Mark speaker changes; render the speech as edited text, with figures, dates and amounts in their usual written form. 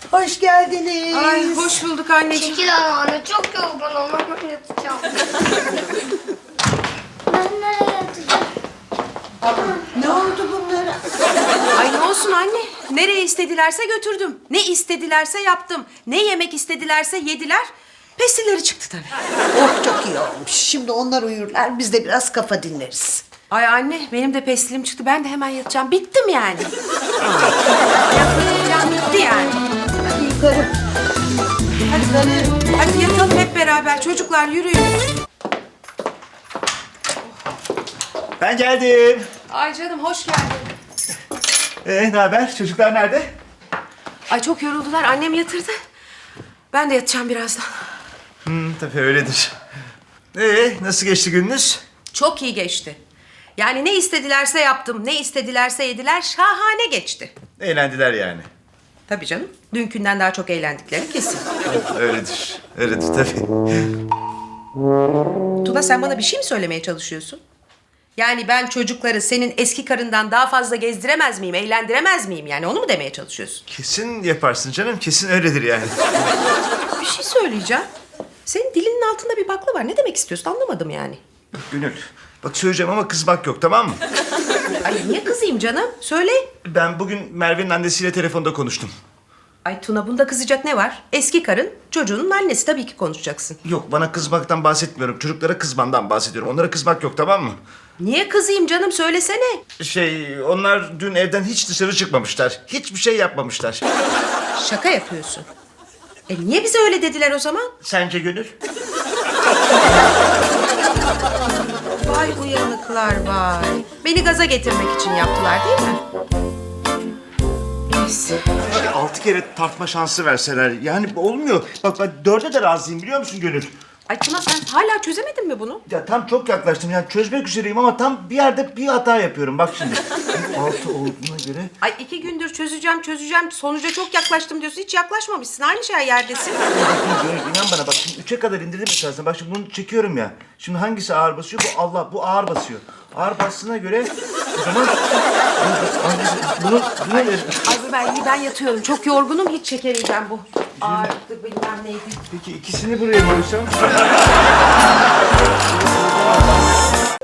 Speaker 1: Hoş geldiniz.
Speaker 2: Ay hoş bulduk anneciğim.
Speaker 3: Çekil anne, çok yorgunum. Ben yatacağım. Ben nereye yatacağım?
Speaker 1: Ne oldu bunlara?
Speaker 2: Ay ne olsun anne. Nereye istedilerse götürdüm. Ne istedilerse yaptım. Ne yemek istedilerse yediler. Pestilleri çıktı tabii.
Speaker 1: Oh çok iyi olmuş. Şimdi onlar uyurlar, biz de biraz kafa dinleriz.
Speaker 2: Ay anne benim de pestilim çıktı. Ben de hemen yatacağım. Bittim yani. Yatacağım bitti yani.
Speaker 1: Hadi yukarı.
Speaker 2: Hadi yatalım hep beraber. Çocuklar yürüyün.
Speaker 4: Ben geldim.
Speaker 2: Ay canım hoş geldin.
Speaker 4: Ne haber? Çocuklar nerede?
Speaker 2: Ay çok yoruldular. Annem yatırdı. Ben de yatacağım birazdan.
Speaker 4: Tabii öyledir. Nasıl geçti gününüz?
Speaker 2: Çok iyi geçti. Yani ne istedilerse yaptım. Ne istedilerse yediler. Şahane geçti.
Speaker 4: Eğlendiler yani.
Speaker 2: Tabii canım. Dünkünden daha çok eğlendikleri kesin.
Speaker 4: Öyledir. Öyledir tabii.
Speaker 2: Tuna sen bana bir şey mi söylemeye çalışıyorsun? Yani ben çocukları senin eski karından daha fazla gezdiremez miyim, eğlendiremez miyim? Yani onu mu demeye çalışıyorsun?
Speaker 4: Kesin yaparsın canım. Kesin öyledir yani.
Speaker 2: Bir şey söyleyeceğim. Senin dilinin altında bir bakla var. Ne demek istiyorsun anlamadım yani.
Speaker 4: Gönül. Bak söyleyeceğim ama kızmak yok, tamam mı?
Speaker 2: Ay niye kızayım canım? Söyle.
Speaker 4: Ben bugün Merve'nin annesiyle telefonda konuştum.
Speaker 2: Ay Tuna bunda kızacak ne var? Eski karın çocuğunun annesi, tabii ki konuşacaksın.
Speaker 4: Yok, bana kızmaktan bahsetmiyorum. Çocuklara kızmandan bahsediyorum. Onlara kızmak yok, tamam mı?
Speaker 2: Niye kızayım canım, söylesene.
Speaker 4: Onlar dün evden hiç dışarı çıkmamışlar. Hiçbir şey yapmamışlar.
Speaker 2: Şaka yapıyorsun. Niye bize öyle dediler o zaman?
Speaker 4: Sence Gönül?
Speaker 2: Vay uyanıklar vay. Beni gaza getirmek için yaptılar değil mi? Neyse.
Speaker 4: 6 kere tartma şansı verseler. Yani olmuyor. Bak ben 4'e de razıyım, biliyor musun Gönül?
Speaker 2: Ay Tuna sen hala çözemedin mi bunu?
Speaker 4: Ya tam çok yaklaştım. Yani çözmek üzereyim ama tam bir yerde bir hata yapıyorum. Bak şimdi. 6 olduğuna göre...
Speaker 2: Ay 2 gündür çözeceğim. Sonuca çok yaklaştım diyorsun. Hiç yaklaşmamışsın. Aynı şey yerdesin.
Speaker 4: Gönül inan bana, bak şimdi 3'e kadar indirdim esasında. Bak şimdi bunu çekiyorum ya. Şimdi hangisi ağır basıyor? Bu Allah, bu ağır basıyor. Ağır bastığına göre o zaman... Bunu
Speaker 2: Ben yatıyorum. Çok yorgunum. Hiç çekemeyeceğim bu. Ağırlıktı bilmem neydi.
Speaker 4: Peki ikisini buraya koysam?